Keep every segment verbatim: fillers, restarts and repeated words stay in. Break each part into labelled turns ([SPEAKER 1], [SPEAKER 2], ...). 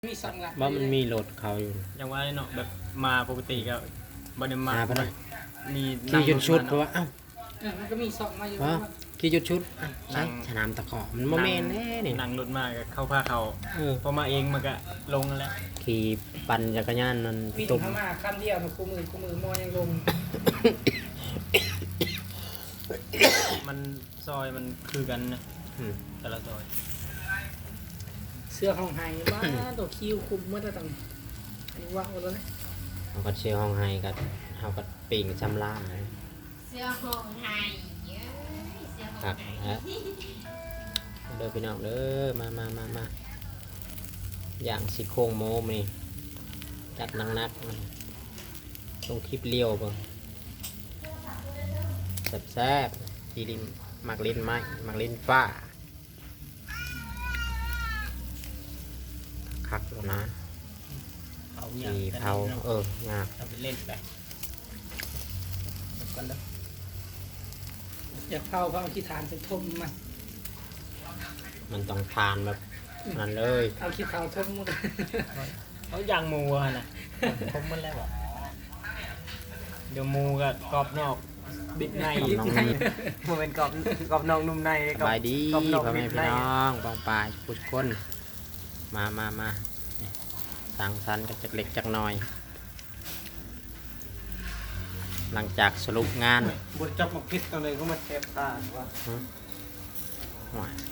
[SPEAKER 1] มีสองหลัก
[SPEAKER 2] ว่ามันมีโหลดเขาอยู่
[SPEAKER 3] อย่างว่าเนาะแบบมาปกติก็บ่ได้มา
[SPEAKER 2] มาปะนะ
[SPEAKER 3] มี
[SPEAKER 2] ขี่จุดชุดเพราะว่าเอ้า
[SPEAKER 1] เออมันก็มีสองมาอยู่
[SPEAKER 2] ว่าขี่จุดชุดอ่ะใช่สนามตะขอมันโมเมนต์แน่นี่
[SPEAKER 3] นั่งรถมาก็เข้าพาเขา
[SPEAKER 2] เออ
[SPEAKER 3] พอมาเองมันก็ลงแล้ว
[SPEAKER 2] ขี่ปั่นจักรยานมัน
[SPEAKER 1] วิ่ง
[SPEAKER 2] ตุ่ม
[SPEAKER 1] เข้ามาคำเดียวนะคู่มือคู่มือมอยังลง
[SPEAKER 3] มันซอยมันคือกันนะ
[SPEAKER 2] อืม
[SPEAKER 3] แต่ละซอย
[SPEAKER 1] เสื้อของไฮบ้าตัวคิวคุมเมื่อตอนนี้อันนี้ว่างหมดแล้วนะ
[SPEAKER 2] เขาก็เชียร์ห้องไฮกับเขาก็ปิ่งจำล่าเลย
[SPEAKER 4] เสื้อห้องไทยเยอะเสื้อห้อง
[SPEAKER 2] ครับ
[SPEAKER 4] ไทย
[SPEAKER 2] ฮะเด้อพี่น้องเด้อมามามามาอย่างสิโครงโมมนี่จัดนักนักๆต้องคลิปเลี้ยวเบ่งแซ่บๆจีรินมักลิ้นไม้มักลิ้นฟ้าคักแล้วนะ
[SPEAKER 3] เขา
[SPEAKER 2] สีเผาเอองา
[SPEAKER 3] ทำเป็นเล่นไปกันแล้ว
[SPEAKER 1] อยากเผาเผาขี้ฐานเป็นทมมัน
[SPEAKER 2] มันต้องทานแบบนั้นเลย
[SPEAKER 1] เอาขี้เผาทมหมด
[SPEAKER 3] เขาย่างหมูอะนะคมมันแล้วอ่ะเดี๋ยวหมูก็กรอบนอกบิดใน
[SPEAKER 2] ของน้องนี่
[SPEAKER 3] มันเป็นกรอบกรอบนอกนุ่มใน
[SPEAKER 2] สบายดี
[SPEAKER 3] กรอบนอก
[SPEAKER 2] พ่อแม่
[SPEAKER 3] บิด
[SPEAKER 2] พี่
[SPEAKER 3] ใน
[SPEAKER 2] น้องบองปลายผู้คนมามามาสั่งสรรค์กันจากเล็กจากน้อย หลังจากสรุปงาน
[SPEAKER 3] บดจับมาพิษอะไรก็มาแทบตาว่า
[SPEAKER 2] ว้าย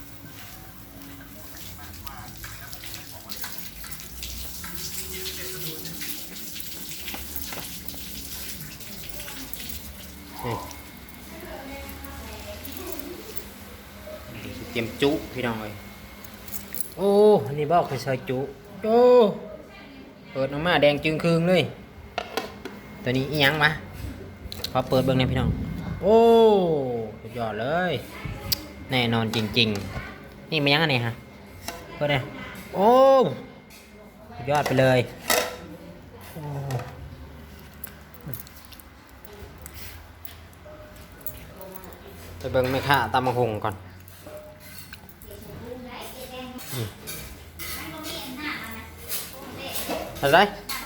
[SPEAKER 2] นี่เตรียมจุพี่น้องเลยโอ้อันนี้บอกไปซอยจุโอ้เปิดออกมาแดงจึงคืงเลยตัวนี้อีหยังมาขอเปิดเบิ่งหน่อยพี่น้องโอ้สุดยอดเลยแน่นอนจริงๆนี่มันยังไงฮะเปิดเลยโอ้สุดยอดไปเลยโอ้ไปเบิ่งแม่ค้าตำมะฮุงก่อนอืมอะไร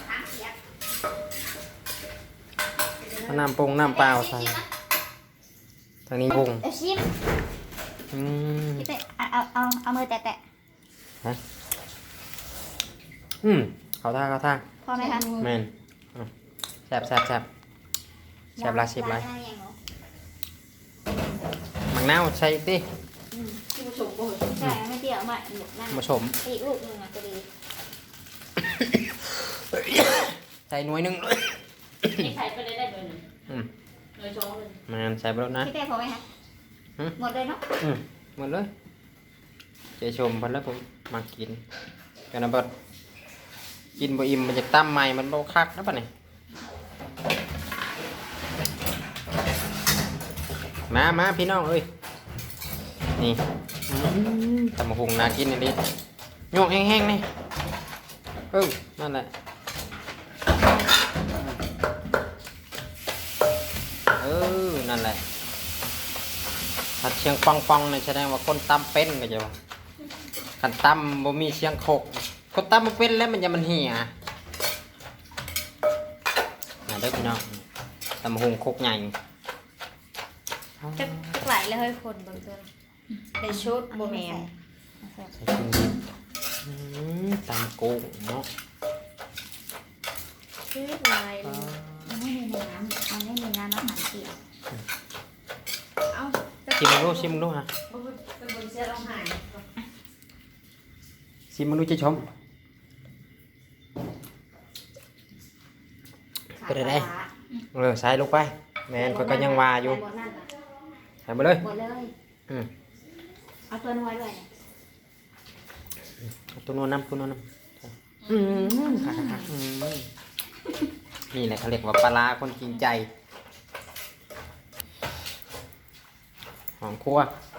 [SPEAKER 2] เอาน้ำปรุงน้ำเปล่าใส่ทางนี้ปรุง
[SPEAKER 4] เอาชิม
[SPEAKER 2] อืม
[SPEAKER 4] พี่เตะเอาเอาเอาเอามือแตะแตะ
[SPEAKER 2] ฮะอืมเขาท่าเขาท่า
[SPEAKER 4] พอไหมคะ
[SPEAKER 2] แมนอ่ะแซ่บแซ่บแซ่บแซ่บลายสิบลายมังนาวใส่ดิ
[SPEAKER 4] ที่ผสมโอ้ยใช่ไม่เปรี้ยวมากหนุกนั่น
[SPEAKER 2] ผสม
[SPEAKER 4] อีกลูกหนึ่งอ่ะจะดี
[SPEAKER 2] ใส่หน่วยหนึ่ง
[SPEAKER 4] นี่ใส่ไปเลยได้เลยหนึ่ง
[SPEAKER 2] อืม
[SPEAKER 4] เลยสองเลย
[SPEAKER 2] แมนใส่ไปแล้วนะ
[SPEAKER 4] พี่เตะพอไหมคะ
[SPEAKER 2] หืม
[SPEAKER 4] หมดเลยเนาะ
[SPEAKER 2] อืมหมดเลยเจชมพันแล้วผมมากินกันนะเบิดกินบ่อิ่มมันจะตั้มใหม่มันบ่คักนะป่ะนี่มามาพี่น้องเอ้ยนี่อืมตำบักหุ่งน่ากินนี่ดิโยกแห้งๆนี่เออนั่นแหละเออนั่นแหละถ้าเชียงปองปองเนี่ยแสดงว่าคนตำเป็นก็จะว่าคันตำบ่มีเสียงโคกคนตำบ่เป็นแล้วมันจะมันเหี่ยมาเด้อพี่น้องตำบักหุ่งโคกใหญ่
[SPEAKER 4] จะไหลเลยเฮ้ยคนบางตัวในชุดโบแมน
[SPEAKER 2] ใส่เครื่องดิบอืมตำกุ้งเนาะ
[SPEAKER 4] ชื่อลายเลยมันไม่มีน้ำมันไม่มีน้ำอาหารเปียกเอา
[SPEAKER 2] ชิมมึงดูชิมมึงดูฮะ
[SPEAKER 4] เป็นบนเสื้อรองหาย
[SPEAKER 2] ชิมมึงดูจะชมเป็นอะไรเออใส่ลงไปแมนก็ก็ยังว่าอยู่ใส่มาเลย
[SPEAKER 4] หมดเลย
[SPEAKER 2] อืม
[SPEAKER 4] เอาตัวน้อยด้วย
[SPEAKER 2] เอาตัวโน้นน้ำตัวโน้นน้ำอืมค่ะค่ะค่ะอืมนี่แหละเขาเรียกว่าปลาร้าคนจริงใจหอมคั่ว